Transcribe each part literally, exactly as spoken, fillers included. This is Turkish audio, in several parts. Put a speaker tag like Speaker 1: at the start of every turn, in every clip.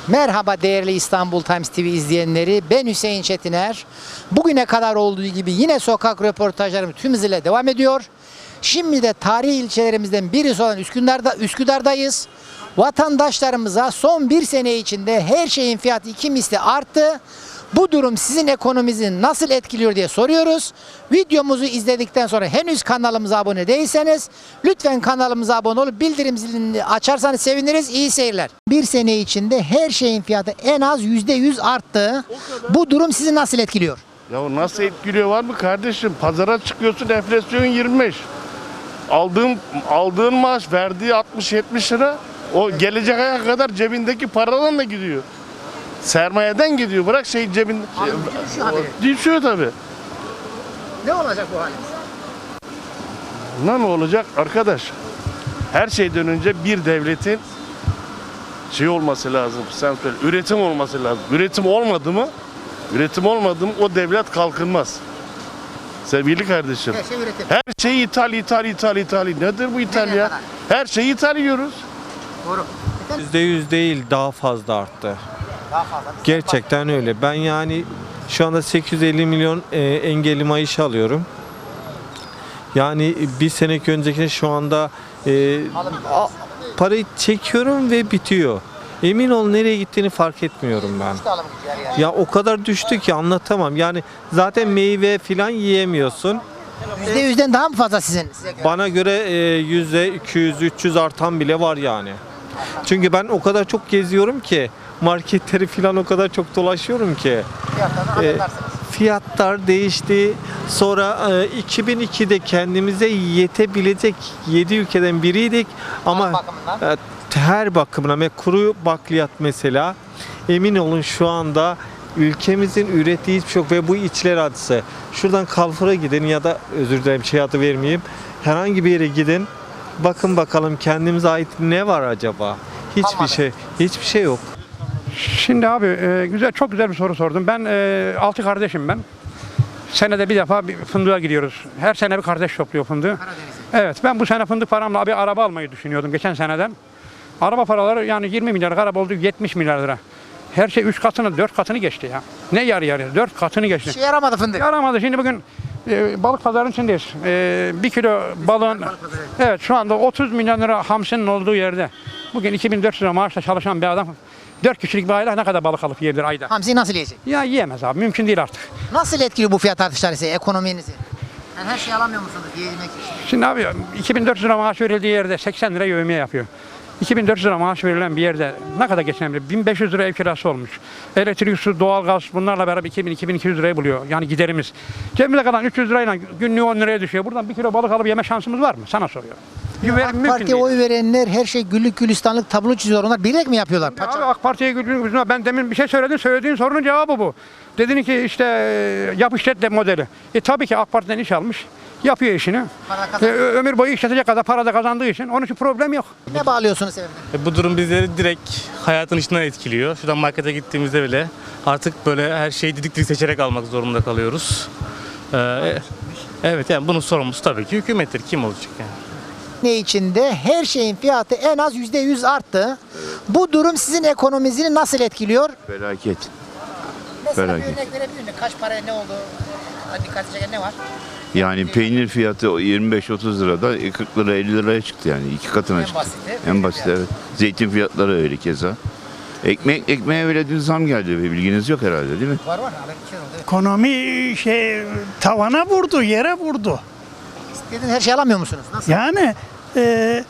Speaker 1: Merhaba değerli İstanbul Times T V izleyenleri, ben Hüseyin Çetiner. Bugüne kadar olduğu gibi yine sokak röportajlarım tüm hızıyla devam ediyor. Şimdi de tarihi ilçelerimizden birisi olan Üsküdar'da, Üsküdar'dayız. Vatandaşlarımıza son bir sene içinde her şeyin fiyatı iki misli arttı. Bu durum sizin ekonominizi nasıl etkiliyor diye soruyoruz. Videomuzu izledikten sonra henüz kanalımıza abone değilseniz lütfen kanalımıza abone olup bildirim zilini açarsanız seviniriz. İyi seyirler. Bir sene içinde her şeyin fiyatı en az yüzde yüz arttı. Bu durum sizi nasıl etkiliyor?
Speaker 2: Ya nasıl etkiliyor var mı kardeşim? Pazara çıkıyorsun, enflasyon yirmi beş. Aldığın aldığın maaş verdiği altmış yetmiş lira. O gelecek aya kadar cebindeki paradan da gidiyor. Sermayeden gidiyor. Bırak şey cebin
Speaker 1: düşüyor haberi.
Speaker 2: düşüyor tabii.
Speaker 1: Ne olacak bu halimiz?
Speaker 2: Ne olacak arkadaş? Her şeyden önce bir devletin şey olması lazım. Sen söyle. Üretim olması lazım. Üretim olmadı mı? Üretim olmadı mı o devlet kalkınmaz. Sevgili kardeşim.
Speaker 1: Her şey üretim.
Speaker 2: Her şey ithal, ithal, ithal, ithal. Nedir bu ithal ya?
Speaker 1: kadar?
Speaker 2: Her şeyi ithal yiyoruz.
Speaker 1: Doğru. Efendim?
Speaker 3: yüzde yüz değil, daha fazla arttı.
Speaker 1: Daha fazla.
Speaker 3: Gerçekten öyle. Ben yani şu anda sekiz yüz elli milyon e, engelli maaşı alıyorum. Yani bir seneki önceki şu anda e, a- parayı çekiyorum ve bitiyor. Emin ol nereye gittiğini fark etmiyorum ben.
Speaker 1: Alım gücü her yer.
Speaker 3: Ya o kadar düştü ki anlatamam. Yani zaten meyve filan yiyemiyorsun.
Speaker 1: yüzde yüzden daha mı fazla sizin? Size göre?
Speaker 3: Bana göre e, yüzde iki yüz üç yüz artan bile var yani. Çünkü ben o kadar çok geziyorum ki marketleri falan o kadar çok dolaşıyorum ki.
Speaker 1: Fiyatlarını
Speaker 3: e,
Speaker 1: anlarsınız.
Speaker 3: fiyatlar değişti. Sonra e, iki bin ikide kendimize yetebilecek yedi ülkeden biriydik ama
Speaker 1: bakımından?
Speaker 3: e, her bakımına ve kuru bakliyat mesela emin olun şu anda ülkemizin ürettiği hiçbir şey yok ve bu içler acısı. Şuradan Carrefour'a gidin ya da özür dilerim şey adı vermeyeyim. Herhangi bir yere gidin. Bakın bakalım kendimize ait ne var acaba? Hiçbir
Speaker 1: Kalmadı.
Speaker 3: şey, hiçbir şey yok.
Speaker 4: Şimdi abi e, güzel çok güzel bir soru sordun. Ben e, altı kardeşim ben. Senede bir defa bir fındığa gidiyoruz. Her sene bir kardeş topluyor fındığı. Evet ben bu sene fındık paramla bir araba almayı düşünüyordum geçen seneden. Araba paraları yani yirmi milyar, araba oldu yetmiş milyar lira. Her şey üç katını, dört katını geçti ya. Ne yarı yarıya? Dört katını geçti.
Speaker 1: İşe yaramadı fındık.
Speaker 4: Yaramadı. Şimdi bugün e, balık pazarının içindeyiz. E, bir kilo balığın, evet şu anda otuz milyon lira hamsinin olduğu yerde. Bugün iki bin dört yüz lira maaşla çalışan bir adam dört kişilik bir aile ne kadar balık alıp yiyebilir ayda?
Speaker 1: Hamsiyi nasıl yiyecek?
Speaker 4: Ya yiyemez abi. Mümkün değil artık.
Speaker 1: Nasıl etkiliyor bu fiyat artışları size, ekonominizi? Yani her şeyi alamıyor musunuz yemek için?
Speaker 4: Şimdi abi iki bin dört yüz lira maaş verildiği yerde seksen lira yevmiye yapıyor. iki bin dört yüz lira maaş verilen bir yerde ne kadar geçinebilir? bin beş yüz lira ev kirası olmuş. Elektrik, su, doğalgaz bunlarla beraber iki bin iki bin iki yüz lirayı buluyor. Yani giderimiz. Cebimize kalan üç yüz lirayla günlüğü on liraya düşüyor. Buradan bir kilo balık alıp yeme şansımız var mı? Sana soruyorum. Güven,
Speaker 1: AK
Speaker 4: mümkün
Speaker 1: Parti'ye
Speaker 4: değil.
Speaker 1: oy verenler her şey güllük gülistanlık tablo çiziyor. Onlar bilerek mi yapıyorlar?
Speaker 4: Abi
Speaker 1: Paça.
Speaker 4: AK Parti'ye güldüğün ben demin bir şey söyledin. Söylediğin sorunun cevabı bu. Dedin ki işte e, yap işlet de modeli. E tabii ki AK Parti'den iş almış. Yapıyor işini.
Speaker 1: Para
Speaker 4: E,
Speaker 1: kazanıyor.
Speaker 4: ö- ömür boyu işletecek kadar para da kazandığı için onun için problem yok.
Speaker 1: Ne bağlıyorsunuz sebebine?
Speaker 5: E, Bu durum bizleri direkt hayatın içinden etkiliyor. Şuradan markete gittiğimizde bile artık böyle her şeyi didik didik seçerek almak zorunda kalıyoruz. Ee, evet yani bunun sorumlusu tabii ki hükümettir. Kim olacak yani?
Speaker 1: Ne içinde her şeyin fiyatı en az yüzde yüz arttı. Bu durum sizin ekonominizi nasıl etkiliyor?
Speaker 6: Felaket.
Speaker 1: Mesela bir
Speaker 6: Felaket.
Speaker 1: örnek verebilir miyim? Kaç paraya ne oldu? Hadi dikkat çeken ne var?
Speaker 6: Yani peynir fiyatı yirmi beş otuz lirada kırk lira elli liraya çıktı yani iki katına
Speaker 1: En
Speaker 6: çıktı.
Speaker 1: basiti.
Speaker 6: En basit evet. Zeytin fiyatları öyle keza. Ekmek ekmeğe bile dün zam geldi. Bilginiz yok herhalde değil mi?
Speaker 1: Var var. Haber bir şey oldu. Evet.
Speaker 7: Ekonomi şey tavana vurdu, yere vurdu.
Speaker 1: İstediğin her şeyi alamıyor musunuz? Nasıl?
Speaker 7: Yani e,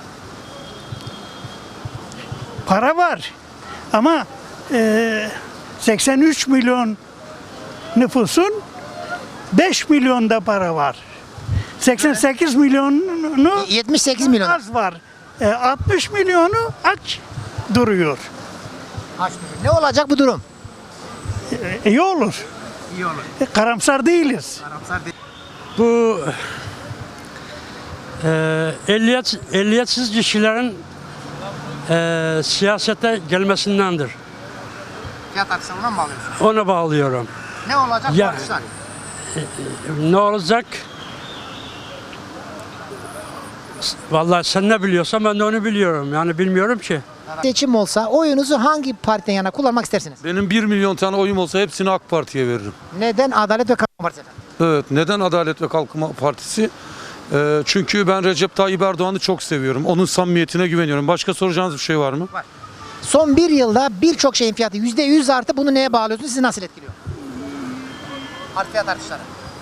Speaker 7: para var ama e, seksen üç milyon nüfusun beş milyonda para var. seksen sekiz milyonunu
Speaker 1: yetmiş sekiz milyon.
Speaker 7: az var. E, altmış milyonu aç duruyor.
Speaker 1: Kaç milyon? Ne olacak bu durum?
Speaker 7: E, iyi olur.
Speaker 1: İyi olur.
Speaker 7: E, karamsar değiliz.
Speaker 1: Karamsar değil.
Speaker 8: Bu e, ehliyet, ehliyetsiz kişilerin e, siyasete gelmesindendir.
Speaker 1: Fiyat artışlarına mı bağlıyorsunuz?
Speaker 8: Ona bağlıyorum.
Speaker 1: Ne olacak bu
Speaker 8: Ya-
Speaker 1: artışlar?
Speaker 8: Ne olacak? Vallahi sen ne biliyorsan ben de onu biliyorum. Yani bilmiyorum ki.
Speaker 1: Seçim olsa oyunuzu hangi partiden yana kullanmak istersiniz?
Speaker 9: Benim bir milyon tane oyum olsa hepsini AK Parti'ye veririm.
Speaker 1: Neden Adalet ve Kalkınma Partisi efendim?
Speaker 9: Evet. Neden Adalet ve Kalkınma Partisi? Ee, çünkü ben Recep Tayyip Erdoğan'ı çok seviyorum. Onun samimiyetine güveniyorum. Başka soracağınız bir şey var mı?
Speaker 1: Son bir yılda birçok şeyin fiyatı yüzde yüz arttı. Bunu neye bağlıyorsunuz? Sizi nasıl etkiliyor? Art fiyat artışları.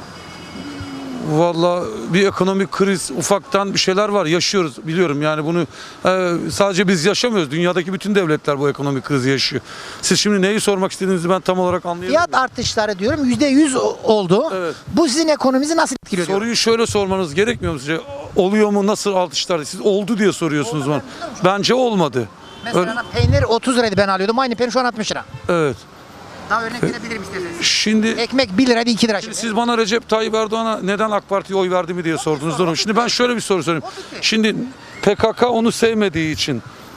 Speaker 9: Vallahi bir ekonomik kriz, ufaktan bir şeyler var. Yaşıyoruz, biliyorum yani bunu e, sadece biz yaşamıyoruz. Dünyadaki bütün devletler bu ekonomik krizi yaşıyor. Siz şimdi neyi sormak istediğinizi ben tam olarak anlayamıyorum.
Speaker 1: Fiyat artışları diyorum yüzde yüz oldu.
Speaker 9: Evet.
Speaker 1: Bu sizin ekonominizi nasıl etkiliyor? diyorum.
Speaker 9: Soruyu şöyle sormanız gerekmiyor mu sizce? Oluyor mu? Nasıl artışlar? Siz oldu diye soruyorsunuz bana. Bence olmadı.
Speaker 1: Mesela peynir otuz liraydı ben alıyordum. Aynı peynir şu an altmış lira.
Speaker 9: Evet.
Speaker 1: Daha örnek verebilirim isterseniz.
Speaker 9: Şimdi
Speaker 1: Ekmek bir liraydı iki lira şimdi.
Speaker 9: siz bana Recep Tayyip Erdoğan'a neden AK Parti'ye oy verdi mi diye sordunuz. Durum. Şimdi ben şöyle bir soru sorayım. Şimdi P K K onu sevmediği için,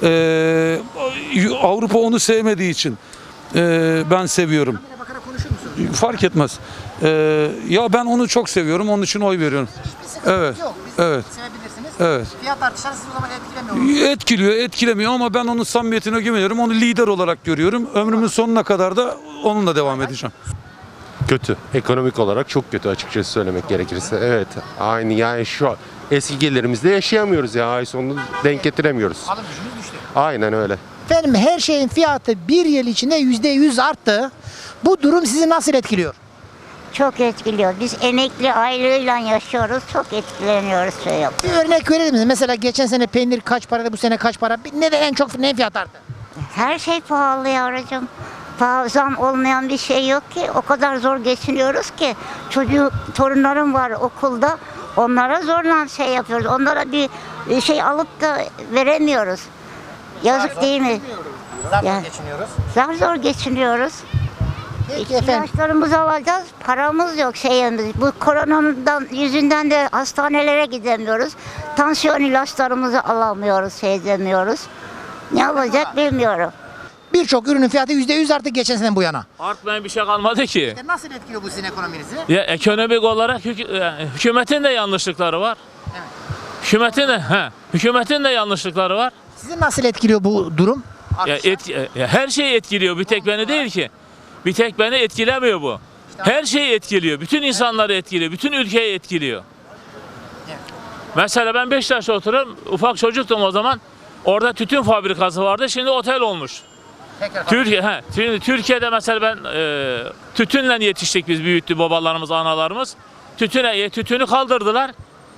Speaker 9: eee, Avrupa onu sevmediği için eee, ben seviyorum.
Speaker 1: Bakarak konuşur musunuz?
Speaker 9: Fark etmez. Eee, ya ben onu çok seviyorum. Onun için oy veriyorum.
Speaker 1: Hiçbir sıkıntı
Speaker 9: Evet.
Speaker 1: yok. Biz
Speaker 9: Evet.
Speaker 1: sevebilirsiniz.
Speaker 9: Evet.
Speaker 1: Fiyat artışları sizi o zaman etkilemiyor mu?
Speaker 9: Etkiliyor, etkilemiyor ama ben onun samimiyetine güveniyorum. Onu lider olarak görüyorum. Ömrümün sonuna kadar da onunla devam edeceğim.
Speaker 10: Kötü. Ekonomik olarak çok kötü açıkçası söylemek gerekirse. Evet. Aynı yani şu an eski gelirimizde yaşayamıyoruz ya. Ay sonunu denk getiremiyoruz.
Speaker 1: Alım gücümüz düştü.
Speaker 10: Aynen öyle.
Speaker 1: Efendim her şeyin fiyatı bir yıl içinde yüzde yüz arttı. Bu durum sizi nasıl etkiliyor?
Speaker 11: Çok etkiliyor. Biz emekli aylığıyla yaşıyoruz. Çok etkileniyoruz şey yap.
Speaker 1: Bir örnek verir misiniz? Mesela geçen sene peynir kaç paraydı, bu sene kaç para? Neden en çok ne fiyat arttı?
Speaker 11: Her şey pahalı yavrucuğum. Pahalı, zam olmayan bir şey yok ki. O kadar zor geçiniyoruz ki. Çocuk, torunlarım var okulda. Onlara zorla şey yapıyoruz. Onlara bir bir şey alıp da veremiyoruz. Yazık değil mi?
Speaker 1: Zar
Speaker 11: Ya.
Speaker 1: geçiniyoruz.
Speaker 11: Zar zor geçiniyoruz.
Speaker 1: Peki efendim.
Speaker 11: İlaçlarımızı alacağız, paramız yok şeyimiz. Bu koronadan yüzünden de hastanelere gidemiyoruz. Tansiyon ilaçlarımızı alamıyoruz, şey demiyoruz. Ne yapacak bilmiyorum.
Speaker 1: Birçok ürünün fiyatı yüzde yüz arttı geçen sene bu yana.
Speaker 12: Artmayan bir şey kalmadı ki.
Speaker 1: E nasıl etkiliyor bu sizin ekonominizi?
Speaker 12: Ya ekonomik olarak hük- yani hükümetin de yanlışlıkları var.
Speaker 1: Evet.
Speaker 12: Hükümetin de he, hükümetin de yanlışlıkları var.
Speaker 1: Sizi nasıl etkiliyor bu durum?
Speaker 12: Ya,
Speaker 1: Artışlar.
Speaker 12: et, ya her şeyi etkiliyor. Bir tek beni değil ki. Bir tek beni etkilemiyor bu. Her şeyi etkiliyor. Bütün insanları etkiliyor. Bütün ülkeyi etkiliyor.
Speaker 1: Evet.
Speaker 12: Mesela ben Beşiktaş'ta oturuyorum. Ufak çocuktum o zaman. Orada tütün fabrikası vardı. Şimdi otel olmuş.
Speaker 1: Tekrar
Speaker 12: Türkiye, he, Tür- Türkiye'de mesela ben e, tütünle yetiştik biz, büyüttü babalarımız, analarımız. Tütüne, tütünü kaldırdılar.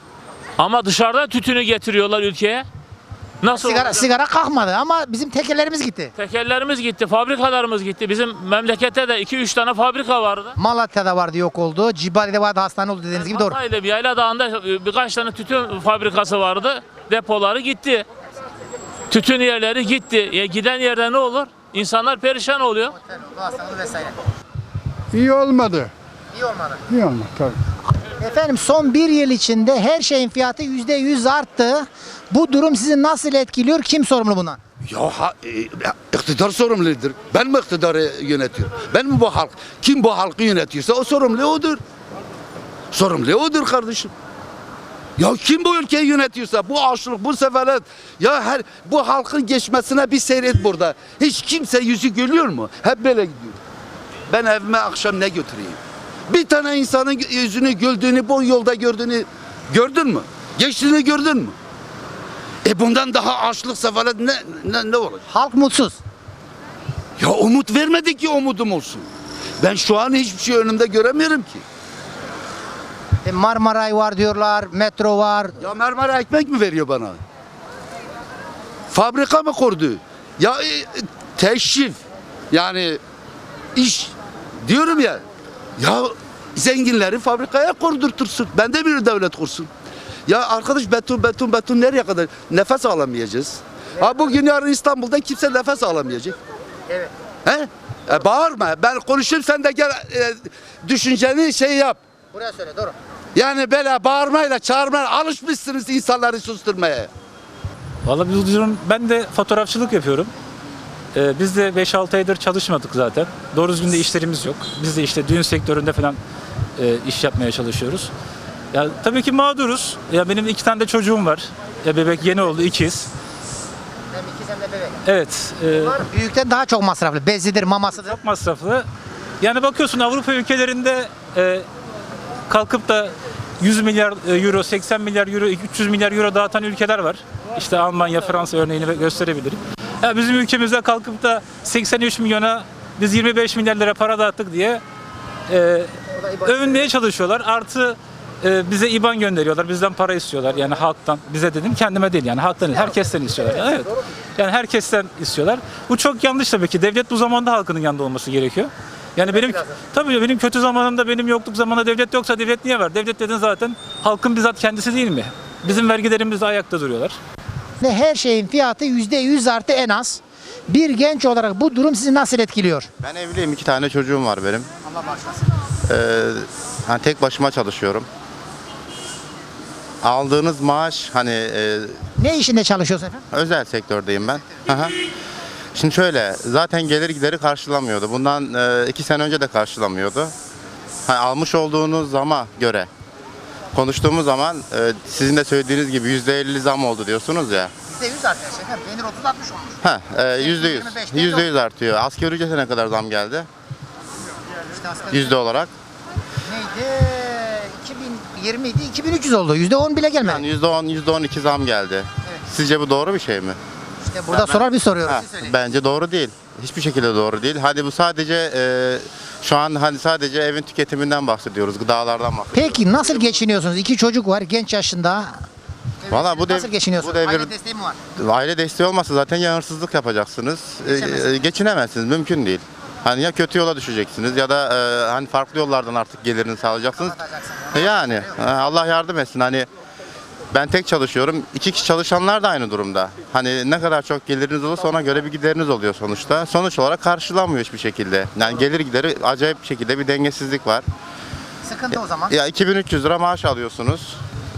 Speaker 12: Ama dışarıda tütünü getiriyorlar ülkeye. Nasıl
Speaker 1: sigara,
Speaker 12: olacak?
Speaker 1: sigara kalkmadı ama bizim tekerlerimiz gitti.
Speaker 12: Tekerlerimiz gitti, fabrikalarımız gitti. Bizim memlekette de iki üç tane fabrika vardı.
Speaker 1: Malatya'da vardı, yok oldu. Cibali'de vardı, hastane oldu dediğiniz gibi doğru.
Speaker 12: Hatay'da bir Yayla Dağı'nda e, birkaç tane tütün fabrikası vardı. Depoları gitti. Tütün yerleri gitti. E, giden yerde ne olur? İnsanlar perişan oluyor.
Speaker 1: vesaire.
Speaker 7: İyi olmadı.
Speaker 1: İyi olmadı.
Speaker 7: İyi olmadı tabii.
Speaker 1: Efendim son bir yıl içinde her şeyin fiyatı yüzde yüz arttı. Bu durum sizi nasıl etkiliyor? Kim sorumlu bundan?
Speaker 13: Ya ha, e, iktidar sorumludur. Ben mi iktidarı yönetiyorum? Ben mi bu halk? Kim bu halkı yönetiyorsa o sorumlu odur. Sorumlu odur kardeşim. Ya kim bu ülkeyi yönetiyorsa, bu açlık, bu sefalet, ya her bu halkın geçmesine bir seyret burada. Hiç kimse yüzü gülüyor mu? Hep böyle gidiyor. Ben evime akşam ne götüreyim? Bir tane insanın yüzünü güldüğünü, bu yolda gördüğünü gördün mü? Geçtiğini gördün mü? E bundan daha açlık, sefalet ne, ne, ne olacak?
Speaker 1: Halk mutsuz.
Speaker 13: Ya umut vermedi ki umudum olsun. Ben şu an hiçbir şey önümde göremiyorum ki.
Speaker 1: E, Marmaray var diyorlar, metro var.
Speaker 13: Ya Marmara ekmek mi veriyor bana? Fabrika mı kurdu? Ya e, teşrif, yani iş diyorum ya. Ya zenginleri fabrikaya kurdurtursun. Ben de bir devlet kursun. Ya arkadaş beton beton beton nereye kadar? Nefes alamayacağız. Ha bugün yarın İstanbul'da kimse nefes alamayacak.
Speaker 1: Evet.
Speaker 13: He? E, bağırma. Ben konuşayım, sen de gel e, düşünceni şey yap.
Speaker 1: Buraya söyle, doğru.
Speaker 13: Yani böyle bağırmayla çağırmayla alışmışsınız insanları susturmaya.
Speaker 14: Vallahi biz diyorum, ben de fotoğrafçılık yapıyorum. Ee, biz de beş altı aydır çalışmadık zaten. Doğru düzgün de işlerimiz yok. Biz de işte düğün sektöründe falan e, iş yapmaya çalışıyoruz. Ya tabii ki mağduruz. Ya benim iki tane de çocuğum var. Ya bebek yeni oldu, ikiz.
Speaker 1: Hem ikiz hem de bebek.
Speaker 14: Evet. E,
Speaker 1: Büyükten daha çok masraflı. Bezidir, mamasıdır.
Speaker 14: Çok masraflı. Yani bakıyorsun Avrupa ülkelerinde e, kalkıp da yüz milyar euro, seksen milyar euro, üç yüz milyar euro dağıtan ülkeler var. İşte Almanya, Fransa örneğini gösterebilirim. Ya bizim ülkemizde kalkıp da seksen üç milyona biz yirmi beş milyar lira para dağıttık diye e, övünmeye çalışıyorlar. Artı e, bize İ B A N gönderiyorlar. Bizden para istiyorlar. Yani halktan. Bize dedim, kendime değil yani halktan, herkesten istiyorlar. Evet. Yani herkesten istiyorlar. Bu çok yanlış tabii ki. Devlet bu zamanda halkının yanında olması gerekiyor. Yani benim tabii benim kötü zamanımda, benim yokluk zamanında devlet yoksa devlet niye var? Devlet dedin zaten halkın bizzat kendisi değil mi? Bizim vergilerimiz de ayakta duruyorlar.
Speaker 1: Ve her şeyin fiyatı yüzde yüz artı en az. Bir genç olarak bu durum sizi nasıl etkiliyor?
Speaker 15: Ben evliyim, iki tane çocuğum var benim.
Speaker 1: Allah bağışlasın.
Speaker 15: Ee, hani tek başıma çalışıyorum. Aldığınız maaş hani e,
Speaker 1: Ne işinde çalışıyorsun efendim?
Speaker 15: özel sektördeyim ben. Aha. Şimdi şöyle, zaten gelir gideri karşılamıyordu. Bundan e, iki sene önce de karşılamıyordu. Hani almış olduğunuz zama göre konuştuğumuz zaman e, sizin de söylediğiniz gibi yüzde elli zam oldu diyorsunuz ya.
Speaker 1: yüzde yüz artıyor efendim. Peynir otuz altmış olmuş.
Speaker 15: Ha, e, yüzde yüz. Yüzde yüz artıyor. Asgari ücrete ne kadar zam geldi?
Speaker 1: İşte asgari
Speaker 15: Yüzde olarak.
Speaker 1: neydi? iki bin yirmi idi. iki bin üç yüz oldu. yüzde on bile gelmedi.
Speaker 15: Yani yüzde on, yüzde on iki zam geldi. Sizce bu doğru bir şey mi?
Speaker 1: İşte burada sorar bir soruyoruz.
Speaker 15: Ha,
Speaker 1: Siz söyleyin.
Speaker 15: bence doğru değil. Hiçbir şekilde doğru değil. Hadi bu sadece e, şu an hani sadece evin tüketiminden bahsediyoruz, gıdalardan bahsediyoruz.
Speaker 1: Peki nasıl geçiniyorsunuz? İki çocuk var genç yaşında.
Speaker 15: Valla bu dev,
Speaker 1: Nasıl geçiniyorsunuz?
Speaker 15: bu devir,
Speaker 1: Aile desteği mi var?
Speaker 15: aile desteği olmasa zaten ya hırsızlık yapacaksınız. E, e, geçinemezsiniz, mümkün değil. Hani ya kötü yola düşeceksiniz ya da e, hani farklı yollardan artık gelirini sağlayacaksınız. E, yani e, Allah yardım etsin. Hani ben tek çalışıyorum. İki kişi çalışanlar da aynı durumda. Hani ne kadar çok geliriniz olursa ona göre bir gideriniz oluyor sonuçta. Sonuç olarak karşılanmıyor hiçbir şekilde. Yani gelir gideri acayip bir şekilde bir dengesizlik var.
Speaker 1: Sıkıntı o zaman.
Speaker 15: Ya iki bin üç yüz lira maaş alıyorsunuz.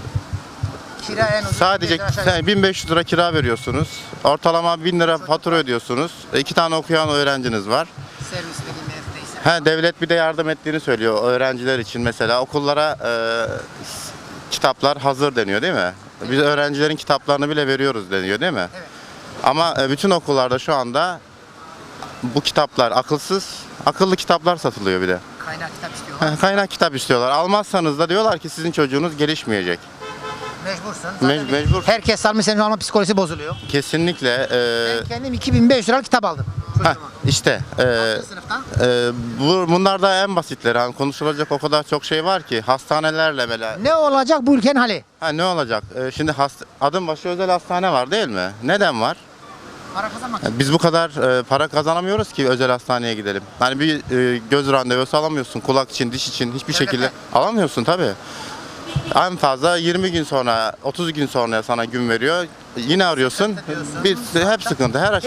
Speaker 1: Kira en ucuz.
Speaker 15: Sadece
Speaker 1: bir aşağı yukarı.
Speaker 15: bin beş yüz lira kira veriyorsunuz. Ortalama bin lira fatura ödüyorsunuz. E, İki tane okuyan öğrenciniz var.
Speaker 1: Servis dediğim neredeyse.
Speaker 15: Ha, devlet bir de yardım ettiğini söylüyor öğrenciler için mesela. Okullara e, s- kitaplar hazır deniyor değil mi? Biz öğrencilerin kitaplarını bile veriyoruz deniyor değil mi?
Speaker 1: Evet.
Speaker 15: Ama e, bütün okullarda şu anda bu kitaplar akılsız, akıllı kitaplar satılıyor bir de.
Speaker 1: Kaynak kitap istiyorlar.
Speaker 15: Ha, Kaynak kitap istiyorlar. Almazsanız da diyorlar ki sizin çocuğunuz gelişmeyecek.
Speaker 1: Mecbursun.
Speaker 15: Me-
Speaker 1: Zaten bir-
Speaker 15: mecbur.
Speaker 1: Herkes almış senin alma psikolojisi bozuluyor.
Speaker 15: Kesinlikle. e,
Speaker 1: Ben kendim iki bin beş liralık kitap aldım.
Speaker 15: Heh,
Speaker 1: Çocuğuma.
Speaker 15: işte e,
Speaker 1: Altıncı sınıftan.
Speaker 15: e, bu, bunlar da en basitleri. Hani konuşulacak o kadar çok şey var ki hastanelerle böyle.
Speaker 1: Ne olacak bu ülkenin hali?
Speaker 15: Ha, ne olacak? E, şimdi hast- adım başı özel hastane var değil mi? Neden var?
Speaker 1: Para kazanmak.
Speaker 15: E, Biz bu kadar e, para kazanamıyoruz ki özel hastaneye gidelim. Hani bir e, göz randevusu alamıyorsun, kulak için, diş için hiçbir
Speaker 1: Devlete.
Speaker 15: şekilde alamıyorsun tabii. En fazla yirmi gün sonra, otuz gün sonra sana gün veriyor. Yine arıyorsun. Bir hep sıkıntı. Her